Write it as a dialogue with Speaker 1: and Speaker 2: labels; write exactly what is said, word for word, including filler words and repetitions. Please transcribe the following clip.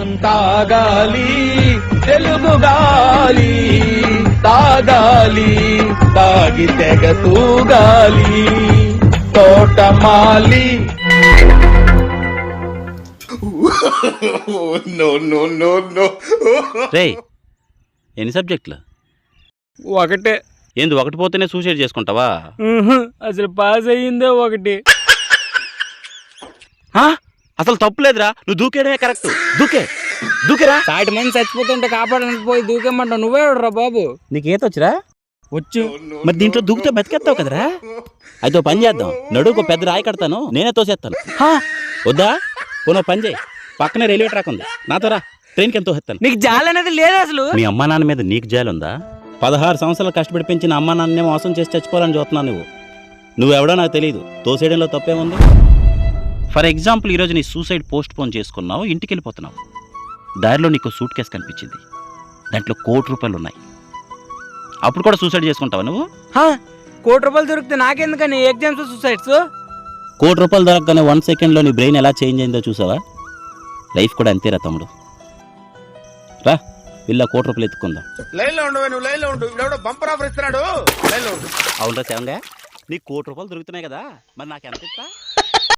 Speaker 1: తాగాలి తెలుగు గాలి, తాగాలి తాగి తెగ తూగాలి తోటమాలి.
Speaker 2: రేయ్ ఎన్ని సబ్జెక్టులు?
Speaker 3: ఒకటే.
Speaker 2: ఏంది ఒకటి పోతేనే సూసైడ్ చేసుకుంటావా?
Speaker 3: అసలు పాస్ అయ్యిందే ఒకటి.
Speaker 2: అసలు తప్పులేదురా, నువ్వు దూకేయడమే కరెక్ట్. దూకే దూకేరా.
Speaker 3: సాటి మంది చచ్చిపోతుంటే కాపాడడానికి పోయి దూకేమంటావు. నువ్వే రా బాబు.
Speaker 2: నీకు ఈత వచ్చిరా?
Speaker 3: వచ్చు.
Speaker 2: మరి దీంట్లో దూకితే బతికేస్తావు కదరా. అయితే ఓ పని చేద్దాం, నడువుకు పెద్ద రాయి కడతాను, నేనే తోసేస్తాను. వద్దా? పోనో పని చేయి, పక్కనే రైల్వే ట్రాక్ ఉంది, నాతో రా, ట్రైన్కి ఎంతో తోసేస్తాను.
Speaker 3: నీకు జాలి అనేది లేదు అసలు.
Speaker 2: మీ అమ్మా నాన్న మీద నీకు జాలి ఉందా? పదహారు సంవత్సరాలు కష్టపడి పెంచిన అమ్మా నాన్నే మోసం చేసి చచ్చిపోవాలని చూస్తున్నావు నువ్వు. నువ్వెవడో నాకు తెలియదు, తోసేయడంలో తప్పేముంది? ఫర్ ఎగ్జాంపుల్, ఈరోజు నీ సూసైడ్ పోస్ట్ పోన్ చేసుకున్నావు, ఇంటికి వెళ్ళిపోతున్నావు. దారిలో నీకు సూట్ కేసు కనిపించింది, దాంట్లో కోటి రూపాయలు ఉన్నాయి. అప్పుడు కూడా సూసైడ్ చేసుకుంటావా నువ్వు?
Speaker 3: కోటి రూపాయలు దొరికితే నాకెందుకని ఎగ్జామ్స్ సూసైడ్స్?
Speaker 2: కోటి రూపాయలు దొరకగానే వన్ సెకండ్లో నీ బ్రెయిన్ ఎలా చేంజ్ అయిందో చూసావా? లైఫ్ కూడా అంతేరా తమ్ముడు. రా వీళ్ళ కోటి రూపాయలు ఎత్తుకుందాం. అవునరా శివంగా, నీకు కోటి రూపాయలు దొరుకుతున్నాయి కదా, మరి నాకు ఎంత ఇస్తా?